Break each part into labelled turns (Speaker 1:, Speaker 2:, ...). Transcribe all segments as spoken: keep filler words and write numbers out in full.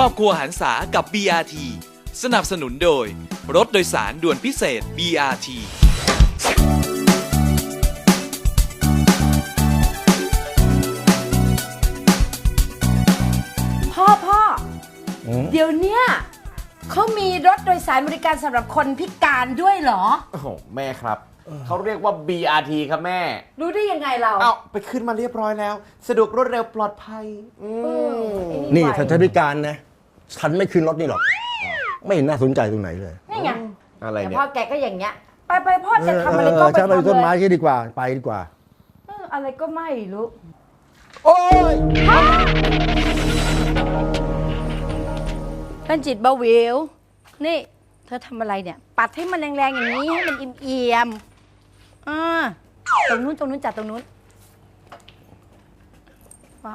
Speaker 1: รอบครัวหันษากับ บี อาร์ ที สนับสนุนโดยรถโดยสารด่วนพิเศษ บี อาร์ ที
Speaker 2: พ่อพ่อเดี๋ยวเนี้ยเขามีรถโดยสารบริการสำหรับคนพิการด้วยเหรอ
Speaker 3: โอ้โหแม่ครับเขาเรียกว่า บี อาร์ ที ครับแม่
Speaker 2: รู้ได้ยังไงเรา
Speaker 3: เอาไปขึ้นมาเรียบร้อยแล้ว สะดวกรวดเร็วปลอดภัยอืม
Speaker 4: นี่ถ้าฉันพิการนะฉันไม่ขึ้นรถนี่หรอกไม่เห็นน่าสนใจตรงไหนเลย
Speaker 2: นี่ไง
Speaker 3: อะไร
Speaker 2: แต่
Speaker 3: เนี่ย
Speaker 2: พ่อแกก็อย่างเงี้ยไปไปพ่อจะทำอะไรก็ไป
Speaker 4: ฉันไป
Speaker 2: ทำ
Speaker 4: ต้นไม้
Speaker 2: เลย
Speaker 4: ที่ดีกว่าไปดีกว่า
Speaker 2: เอออะไรก็ไม่รู้
Speaker 4: โอ้ย
Speaker 2: ท่านจิตเบาหวิวนี่เธอทำอะไรเนี่ยปัดให้มันแรงๆอย่างนี้ให้มันเอี่ยมๆอ่าตรงนู้นตรงนู้นจัดตรงนู้นว่า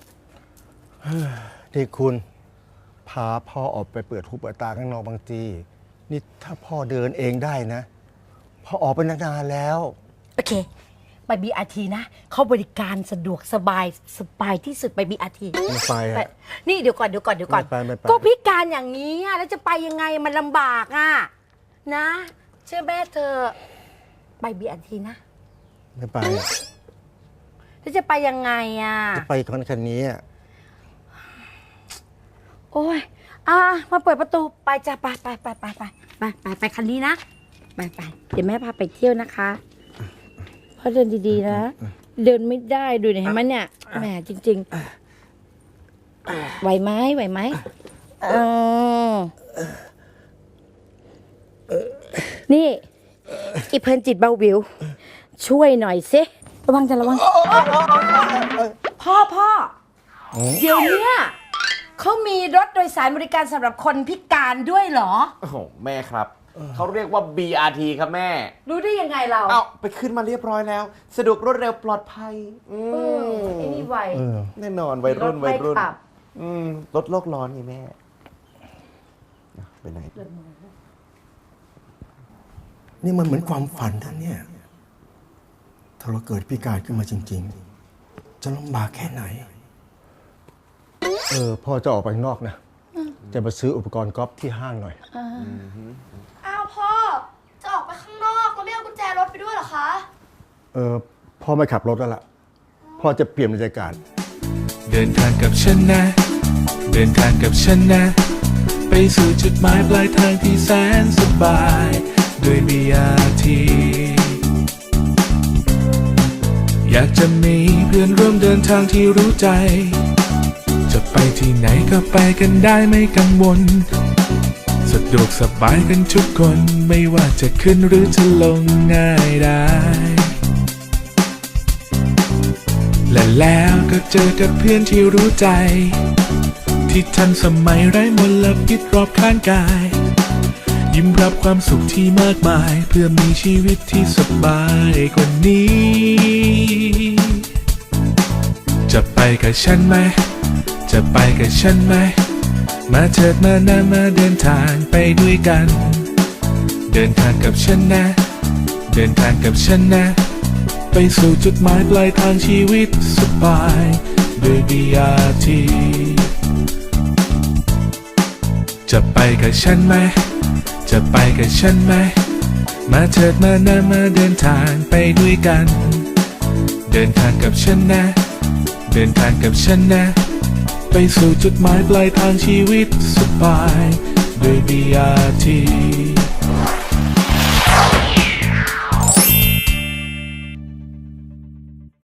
Speaker 4: ที่คุณพาพ่อออกไปเปิดหูเปิดตาข้างนอกบางทีนี่ถ้าพ่อเดินเองได้นะพ่อออกไปนานๆแล้ว
Speaker 2: โอเคไป บี อาร์ ที นะเขาบริการสะดวกสบายสบายที่สุดไป บี อาร์ ที
Speaker 4: ไม่ไปอะ
Speaker 2: นี่เดี๋ยวก่อนเดี๋ยวก่อนเดี๋ยวก่อน
Speaker 4: ไม่ไปไม่ไป
Speaker 2: ก็พิการอย่างนี้อะแล้วจะไปยังไงมันลำบากอ่ะนะ เชื่อแม่เธอไป บี อาร์ ที นะ
Speaker 4: ไม่ไปอะ
Speaker 2: แล้วจะไปยังไงอ่ะ
Speaker 4: จะไปคันคันนี้อะ
Speaker 2: โอ้ยอ่ะมาเปิดประตูไปจ้ะไปไปไปไปไปไปไปไปคันนี้นะไปไปเดี๋ยวแม่พาไปเที่ยวนะคะพ่อเดินดีๆนะเดินไม่ได้ดูเนี่ยเห็นไหมเนี่ยแหมจริงๆไหวไหมไหวไหมเออนี่อีเพลินจิตเบาวิวช่วยหน่อยสิระวังจะระวังพ่อพ่อเดี๋ยวเนี้ยเขามีรถโดยสารบริการสำหรับคนพิการด้วยเหรอ
Speaker 3: โอ้โหแม่ครับเขาเรียกว่า บี อาร์ ที ครับแม่
Speaker 2: รู้ได้ยังไงเรา
Speaker 3: เอาไปขึ้นมาเรียบร้อยแล้ว สะดวกรวดเร็วปลอดภัยอืม
Speaker 2: เออไอ้นี่ไว
Speaker 4: เออ
Speaker 3: แน่นอนวัยรุ่น
Speaker 2: รถ
Speaker 3: วั
Speaker 2: ไม่
Speaker 3: ยรุ่น
Speaker 2: ขับ
Speaker 3: อืมลดโลกร้อนไงแม่อ่ะไปไหน
Speaker 4: นี่มันเหมือนความฝันท่านเนี่ยถ้าเราเกิดพิการขึ้นมาจริงๆ จะลำบากแค่ไหน เออพ่อจะออกไปข้างนอกนะจะมาซื้ออุปกรณ์กอล์ฟที่ห้างหน่อย
Speaker 5: อ้าวพ่อ จะออกไปข้างนอกแล้วไม่เอากุญแจรถไปด้วยเหรอคะ
Speaker 4: เออพ่อไม่ขับรถแล้วล่ะพ่อจะเปลี่ยนบรรยากาศ
Speaker 1: เดินทางกับฉันนะ เดินทางกับฉันนะ ไปสู่จุดหมายปลายทางที่แสนสบายด้วย บี อาร์ ที อยากจะมีเพื่อนร่วมเดินทางที่รู้ใจจะไปที่ไหนก็ไปกันได้ไม่กังวลสะดวกสบายกันทุกคนไม่ว่าจะขึ้นหรือจะลงง่ายได้และแล้วก็เจอกับเพื่อนที่รู้ใจที่ทันสมัยไร้มลพิษรอบข้างกายยิ้มรับความสุขที่มากมายเพื่อมีชีวิตที่สบายกว่านี้จะไปกับฉันไหมจะไปกับฉันไหมมาเถิดมานะมาเดินทางไปด้วยกันเดินทางกับฉันนะเดินทางกับฉันนะไปสู่จุดหมายปลายทางชีวิตสบายด้วย บี อาร์ ที จะไปกับฉันไหมจะไปกับฉันไหมมาเถิดมานะมาเดินทางไปด้วยกันเดินทางกับฉันนะเดินทางกับฉันนะไปสู่จุดหมายปลายทางชีวิตสบายด้วย บี อาร์ ที